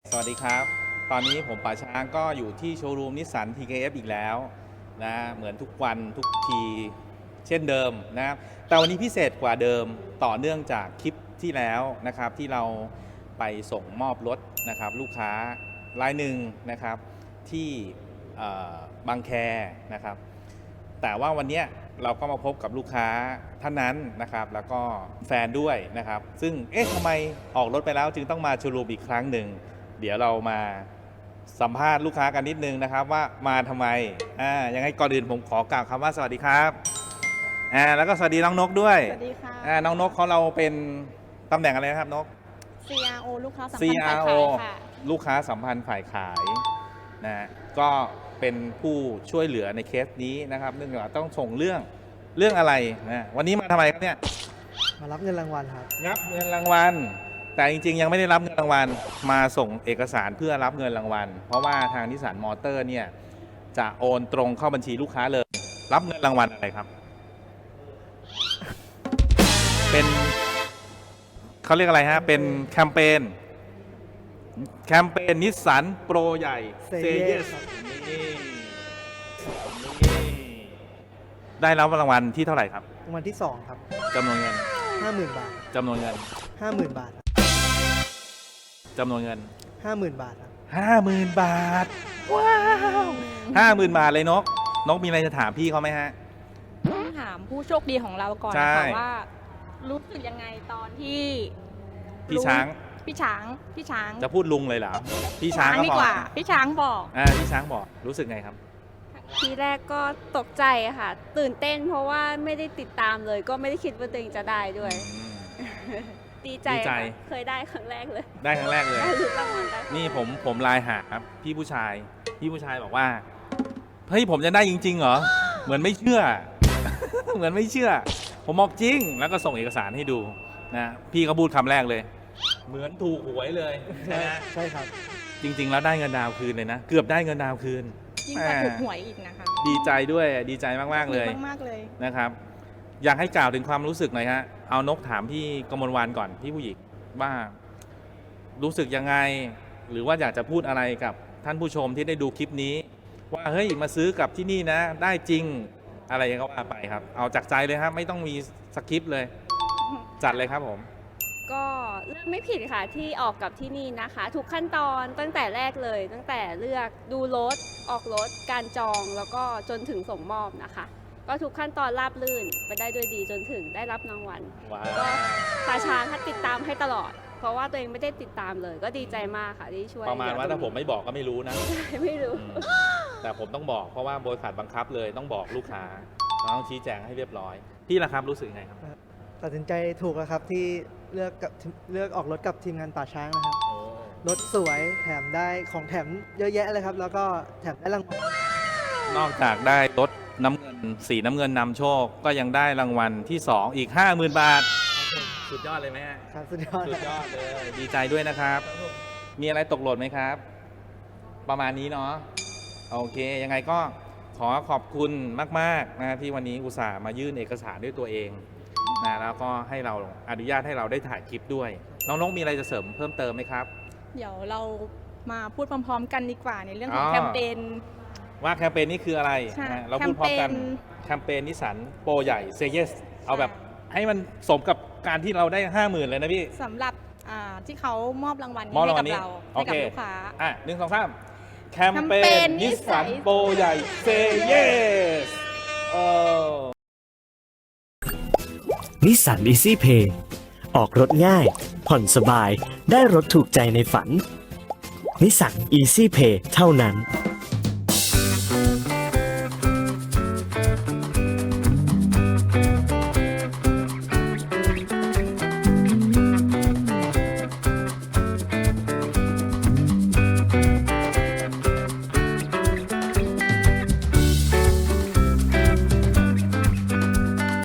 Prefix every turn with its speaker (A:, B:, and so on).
A: สวัสดีครับ ตอนนี้ผมป่าช้างก็อยู่ที่โชว์รูมนิสสัน TKF อีกแล้วนะเหมือนทุกวันทุกทีเช่นเดิมนะครับแต่วันนี้พิเศษกว่าเดิมต่อเนื่องจากคลิปที่แล้วนะครับที่เราไปส่งมอบรถนะครับลูกค้ารายหนึ่งนะครับที่บางแคนะครับแต่ว่าวันนี้เราก็มาพบกับลูกค้าท่านนั้นนะครับแล้วก็แฟนด้วยนะครับซึ่งทำไมออกรถไปแล้วจึงต้องมาโชว์รูมอีกครั้งหนึ่งเดี๋ยวเรามาสัมภาษณ์ลูกค้ากันนิดนึงนะครับว่ามาทำไมยังไงก่อนอื่นผมขอกล่าวคำว่าสวัสดีครับแล้วก็สวัสดีน้องนกด้วย
B: สวัสดีค่ะ
A: น้องนกเขาเราเป็นตำแหน่งอะไรนะครับนก
B: CRO ลูกค้าสัมพันธ์ฝ่ายขายค่ะ
A: ลูกค้าสัมพันธ์ฝ่ายขายนะก็เป็นผู้ช่วยเหลือในเคสนี้นะครับเนื่องจากต้องส่งเรื่องอะไรนะวันนี้มาทำไมครับเนี่ย
C: มารับเงินรางวัลครับ
A: รับเงินรางวัลแต่จริงๆยังไม่ได้รับเงินรางวัลมาส่งเอกสารเพื่อรับเงินรางวัลเพราะว่าทางนิสสันมอเตอร์เนี่ยจะโอนตรงเข้าบัญชีลูกค้าเลยรับเงินรางวัลอะไรครับเป็นเขาเรียกอะไรฮะเป็นแคมเปญนิสสันโปรใหญ่ Say Yes ได้รับรางวัลที่เท่าไหร่ครับ
C: รางวัลที่2ครับ
A: จำนวนเงิน
C: 50,000 บาท
A: จำนวนเงิน
C: 50,000 บาท
A: จำนวนเงิน
C: 50,000 บาทครับ
A: 50,000 บาทว้าว50,000 บาทเลยนกมีอะไรจะถามพี่เขาไหมฮะ
B: ต้องถามผู้โชคดีของเราก่อนนะคะว่ารู้สึกยังไงตอนที่
A: พี่ช้าง
B: จะ
A: พูดลุงเลยเหรอพี่ช้าง
B: ดีกว่าพี่ช้างบอก
A: พี่ช้างบอกรู้สึกไงครับ
D: ทีแรกก็ตกใจค่ะตื่นเต้นเพราะว่าไม่ได้ติดตามเลยก็ไม่ได้คิดว่าตัวเองจะได้ด้วยดีใจเคยได้ครั้งแรกเลย
A: ได้ครั้งแรกเลย
D: ได้รางวัลได้
A: นี่ผมไลน์หาพี่ผู้ชายบอกว่าเฮ้ยผมจะได้จริงๆเหรอเหมือนไม่เชื่อ เหมือนไม่เชื่อผมบอกจริงแล้วก็ส่งเอกสารให้ดูนะพี่ก็พูดคำแรกเลยเหมือนถูกหวยเลยใช่ไหม
C: ใช่ครับ
A: จริงๆแล้วได้เงินดาวคืนเลยนะเกือบได้เงินดาวคืน
B: ยิ่งกว่าถูกหวยอีกนะคะ
A: ดีใจด้วยดีใจมากๆเลยนะครับอยากให้กล่าวถึงความรู้สึกหน่อยฮะเอานกถามพี่กมลวรรณก่อนพี่ผู้หญิงว่ารู้สึกยังไงหรือว่าอยากจะพูดอะไรกับท่านผู้ชมที่ได้ดูคลิปนี้ว่าเฮ้ยมาซื้อกับที่นี่นะได้จริงอะไรก็ว่าไปครับเอาจากใจเลยครับไม่ต้องมีสคริปต์เลยจัดเลยครับผม
D: ก็เลือกไม่ผิดค่ะที่ออกกับที่นี่นะคะทุกขั้นตอนตั้งแต่แรกเลยตั้งแต่เลือกดูรถออกรถการจองแล้วก็จนถึงส่งมอบนะคะก็ทุกขั้นตอนราบรื่นไปได้ด้วยดีจนถึงได้รับรางวัลก็ป่าช้างติดตามให้ตลอดเพราะว่าตัวเองไม่ได้ติดตามเลยก็ดีใจมากค่ะที่ช่วย
A: ประมาณว่าถ้าผมไม่บอกก็ไม่รู้นะ
D: ไม่รู้
A: แต่ผมต้องบอกเพราะว่าบริษัทบังคับเลยต้องบอกลูกค้าต้องชี้แจงให้เรียบร้อยพี่ล่ะครับรู้สึกไงครับ
C: ตัดสินใจถูกแล้วครับที่เลือกออกรถกับทีมงานป่าช้างนะครับรถสวยแถมได้ของแถมเยอะแยะเลยครับแล้วก็แถมได้รางวัล
A: นอกจากได้รถน้ำเงินสีน้ำเงินนำโชคก็ยังได้รางวัลที่2อีก 50,000 บาทสุดยอดเลยไหม
C: ครับสุดยอด
A: เลยดีใจด้วยนะครับมีอะไรตกหล่นไหมครับประมาณนี้เนาะโอเคยังไงก็ขอขอบคุณมากๆนะที่วันนี้อุตส่าห์มายื่นเอกสารด้วยตัวเองนะแล้วก็ให้เราอนุญาตให้เราได้ถ่ายคลิปด้วยน้องๆมีอะไรจะเสริมเพิ่มเติมไหมครับ
B: เดี๋ยวเรามาพูดพร้อมๆกันดีกว่าในเรื่องของแคมเปญ
A: ว่าแคมเปญนี้คืออะไรเราพูดพร้อมกันแคมเปญนิสสันโปรใหญ่ Say Yes เอาแบบให้มันสมกับการที่เราได้ 50,000 เลยนะพี่
B: สำหรับที่เขามอบรางวัลให้กับเราให้กับลูกค้า
A: 1 2 3แคมเปญนิสสันโปรใหญ่ Say Yes
E: นิสสัน Easy Pay ออกรถง่ายผ่อนสบายได้รถถูกใจในฝันนิสสัน Easy Pay เท่านั้น